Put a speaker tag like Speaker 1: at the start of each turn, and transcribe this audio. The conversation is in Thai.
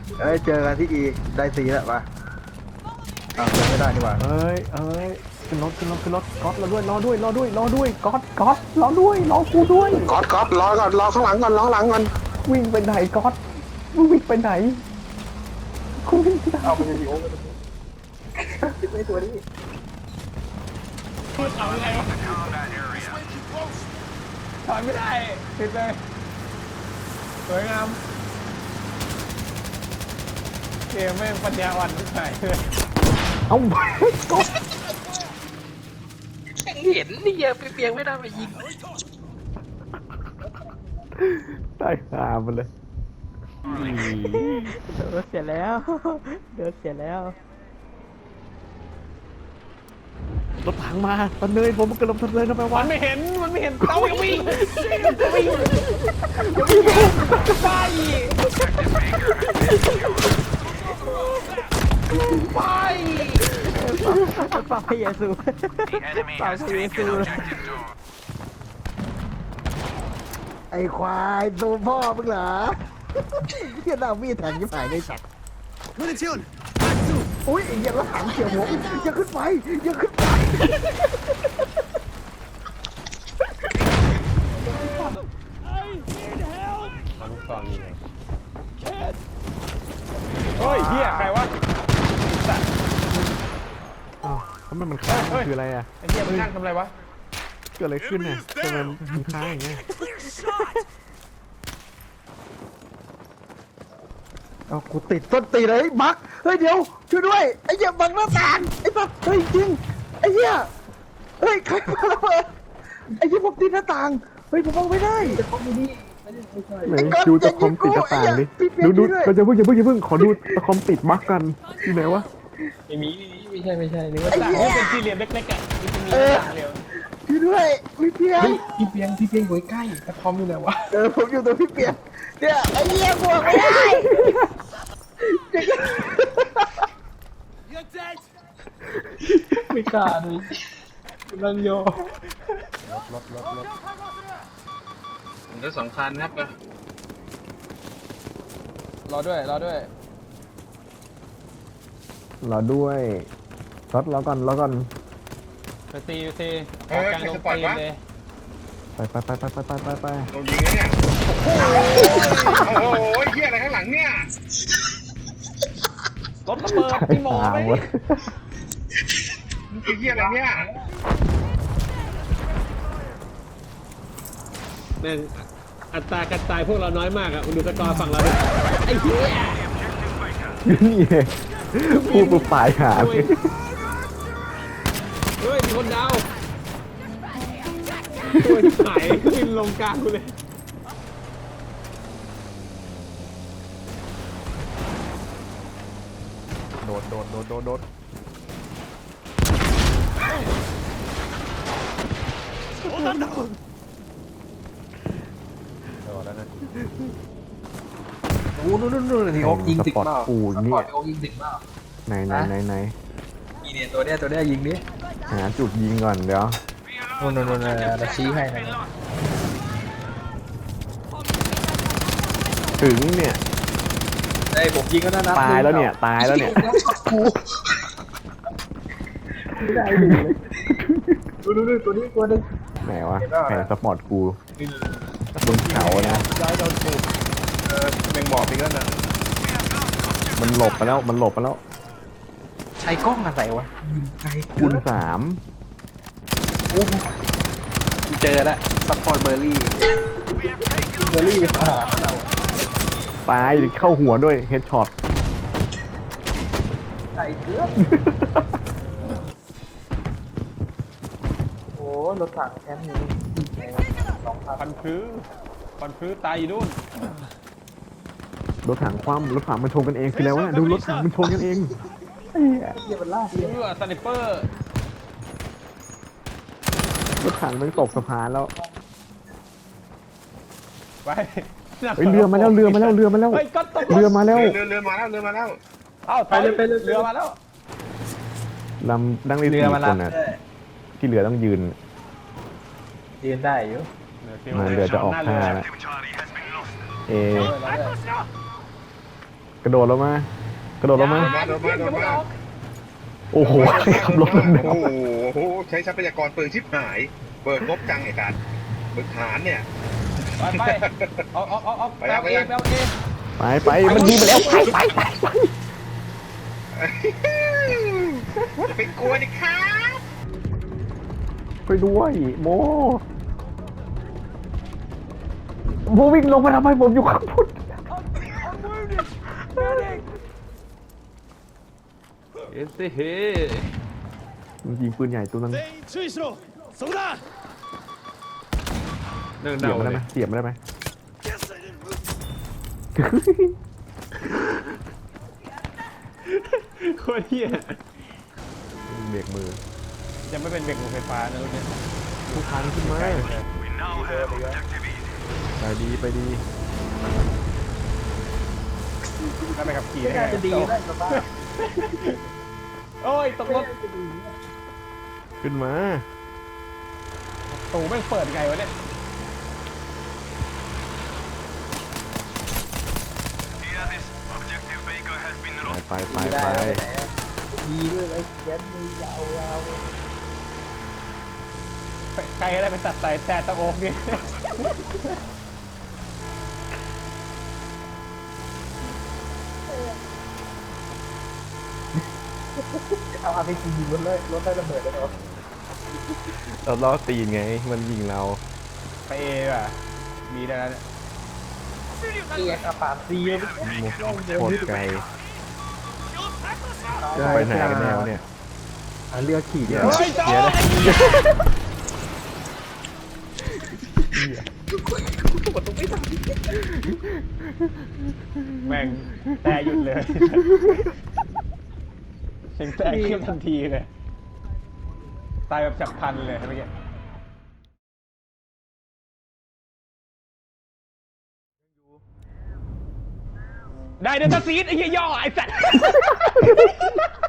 Speaker 1: เอ้ยเจอกันที่อีได้สีแล้วปะอ้าวเจอไม่ได้นี่หว่า
Speaker 2: ขึ้นรถก๊อตรอด้วยก๊อตรอด้วยรอกูด้วย
Speaker 3: ก๊อตรอก่อนรอข้างหลังก่อนรอข้างหลังก่อน
Speaker 2: วิ่งไปไหนก๊อตมึงวิ่งไปไหนกูวิ่งไปไหน
Speaker 1: เอาไปดิโอ้คิดไม่ตัวนี้
Speaker 4: เอาไงวะถอยไม่ได้ติดเลยสวยงามเกมแม่งปัญญาอ่อนที่ไหนเลย
Speaker 2: เอ้า
Speaker 5: เห็นนี่อย่าไปเปียงไม่ได้มายิง
Speaker 2: ได้หามันเลย
Speaker 6: เดินเสียแล้วเดินเสียแล้ว
Speaker 2: รถถังมาตอนเนยผมมันกำลังทันเลยนะแปล
Speaker 4: มั
Speaker 2: ว่าน
Speaker 4: ไม่เห็นเต้ายังวิ่งไป
Speaker 6: ฝากพระเยซูฝากพระเยซู
Speaker 1: ไอ้ควายตัวพ่อมึงเหรอเฮียดามีดแทงยิ่งหายในสัตว์อุ้ยอย่าละถังเฉียวหัวอย่าขึ้นไปอย่าขึ้นไป
Speaker 4: มันตอนนี้ไงเฮ้ยเฮียใครวะ
Speaker 2: อ้าวแล้วมันค้างคืออะไรอ่ะ
Speaker 4: ไอ้เฮียมันนั่งทำอะไรวะ
Speaker 2: เกิดอะไรขึ้นน่ะทำไมมันค้างอย่างเงี้ย
Speaker 1: เอากูติดต้นตีเลยบักเฮ้ยเดี๋ยวช่วยด้วยไอ้เหี้ยบังหน้าต่างไอ้สัสเฮ้ยจริงไอ้เหี้ยเฮ้ยใครมาระเบิดไอ้เหี้ยผมติดหน้าต่างเฮ้ยผมมองไม่ได้
Speaker 2: ไหนดูตะคอมติดกระต่างดิดูก็จะอย่าเพิ่งขอดูตะคอมติดบั๊กกันที่ไหนวะ
Speaker 5: ไม่ใช่นึกว่า
Speaker 1: ไอ้
Speaker 4: ต่าง
Speaker 1: เหี้ย
Speaker 4: เป็นสี่เหลี่ยมเล็กๆอ่ะมันจะมีต่างเหลี่ยม
Speaker 1: ช่วยด้วยพี่เปียก
Speaker 5: พี่เปียงอยู่ใกล้กระทอมอยู่ไหนวะ
Speaker 1: ผมอยู่ตรงพี่เปียกเนี่ยไอ้เหี้ยบวกไม่ได้
Speaker 5: ไม่กล้าเลยนั่งโยผมจะสำคัญครับ
Speaker 4: รอด้วย
Speaker 2: รอด้วยรอก่อน
Speaker 4: ไปตีออกกลางลงตีเลย
Speaker 2: ไป
Speaker 3: โดนยิงเนี่ยโอ้โหเฮียอะไรข้างหลังเนี่ย
Speaker 4: รถระเบิดพี่หมอไหม
Speaker 2: หมด
Speaker 3: มันคือเฮียอะไรเนี่ย
Speaker 7: แม่งอัตราการตายพวกเราน้อยมากอ่ะดูสกอร์ฝั่งเราดิไอ้เหี้ย
Speaker 2: นี่เองพูดปุ๊บตายหาเลย
Speaker 7: เฮ้ยมีคนดาวตัวหายบินลงกลางกูเลย
Speaker 2: โดด
Speaker 5: โอ้นู่นที่เขายิงตึก
Speaker 2: สปอร์ต
Speaker 5: เปล่า
Speaker 2: ปูนเนี่ย
Speaker 5: เขายิงตึกเปล่า
Speaker 2: ไหน
Speaker 5: นี่เนี่ยตัวเนี้ยยิงดิ
Speaker 2: หาจุดยิงก่อนเดี๋ยว
Speaker 5: นู่นเราชี้ให้นะ
Speaker 2: ถึงเนี่ย
Speaker 5: ไอ้ผมยิงก็น่านับ
Speaker 2: ตายแล้วเนี่ย
Speaker 5: กูได้ดูตัวนี้ตัวนึง
Speaker 2: ไหนวะแผนสปอร์ตกูบนเขานะ
Speaker 3: แมงบอกอีกแล้วนะ
Speaker 2: มันหลบไปแล้ว
Speaker 5: ใช้กล้องอะไรวะยิงไกล
Speaker 2: คูณ3
Speaker 5: เจอแล้วซัพพอร์ตเบอร์รี่หาเรา
Speaker 2: ตายเข้าหัวด้วยเฮดช็อต
Speaker 5: ไก่เกลือโอ้รถถังแคมป์นี้2,000
Speaker 4: พันพื้ตายอยู่นู่น
Speaker 2: รถถังคว่ำรถถังมันชนกันเองคือแล้ววะดูรถถังมันชนกันเอง
Speaker 5: เหี้ยมันลากเลย
Speaker 4: สไนเปอร์
Speaker 2: รถถังมันตกสะพานแล้ว
Speaker 4: ไป
Speaker 2: เฮ้ยเรือมาแล้ว
Speaker 4: เฮ้ยก็ตก
Speaker 2: เรือมาแล้ว
Speaker 3: เรือมาแล้ว
Speaker 4: เอ้าไปเลยเรือมาแล้ว
Speaker 2: ลำนั่งได้
Speaker 5: เรือ
Speaker 2: สี่
Speaker 5: มา
Speaker 2: ค
Speaker 5: รับ
Speaker 2: นนะที่เหลือต้องยืน
Speaker 5: ยืนได้อยู่
Speaker 2: มาเรือจะออกท่าแล้วเอกระโดดลงมากระโดดลงมา
Speaker 3: โดนมา
Speaker 2: โอ้โหขับรถลง
Speaker 3: โอ้โหใช้ทรัพยากรปืนชิบหายเบิกงบจังไอ้การมึกฐานเนี่ย
Speaker 4: ไปเอา
Speaker 3: ไปแล้ว
Speaker 4: เองเอาเอง
Speaker 2: ไปมันยิงไปแล้วไป
Speaker 3: จะไปกลัวดิครับ
Speaker 2: ไปด้วยโมวิ่งลงมาทำไมผมอยู่ข้างบน
Speaker 7: เอสเฮ้
Speaker 2: มันยิงปืนใหญ่ตัวนั้น
Speaker 7: นั่ง
Speaker 2: เสีย
Speaker 7: เดา
Speaker 2: บมันได้
Speaker 7: เล
Speaker 2: ไหม
Speaker 7: ย
Speaker 2: เสียบมันได้ไหม
Speaker 7: โคตรเฮีย
Speaker 2: เบรกมือ
Speaker 4: ยังไม่เป็นเบรกมือไฟฟ้านะรุ่นนี้
Speaker 2: ทุกทางขึ้นมาไปดี
Speaker 4: ถ้าไปขับขี่
Speaker 5: ไม่
Speaker 4: ได้
Speaker 5: น่า
Speaker 4: ไง
Speaker 5: จะดีได้สบาย
Speaker 4: โอ้ยตกรถ
Speaker 2: ขึ้นมา
Speaker 4: ตูแม่งเปิดไงวะเนี่ย
Speaker 2: ไป
Speaker 5: ดีด้วยไอ้แก๊สมือยาว
Speaker 4: ใครก็ได้ไปตัดสายแต่ตะโอกเนี่ย
Speaker 5: เอาอาร์พีจียิงรถเลยรถได้ระเบิดเลยเหรอ
Speaker 2: เราล้อตีนไงมันยิงเรา
Speaker 4: ไปเอว่ะมีได้แล้วเนี่ย
Speaker 5: เกียร์อาปาซีเลย
Speaker 2: โคตรไกลไปไหนกันแนวเนี่ย
Speaker 1: เรือขี่เนี่ย
Speaker 4: เฮ้ยจอดแม่งแต่หยุดเลยเสียงแต่ขึ้นทันทีเลยตายแบบฉับพลันเลยเมื่อกี้ได้เดลต้าซีดไอ้เหี้ยย่อไอ้สัตว์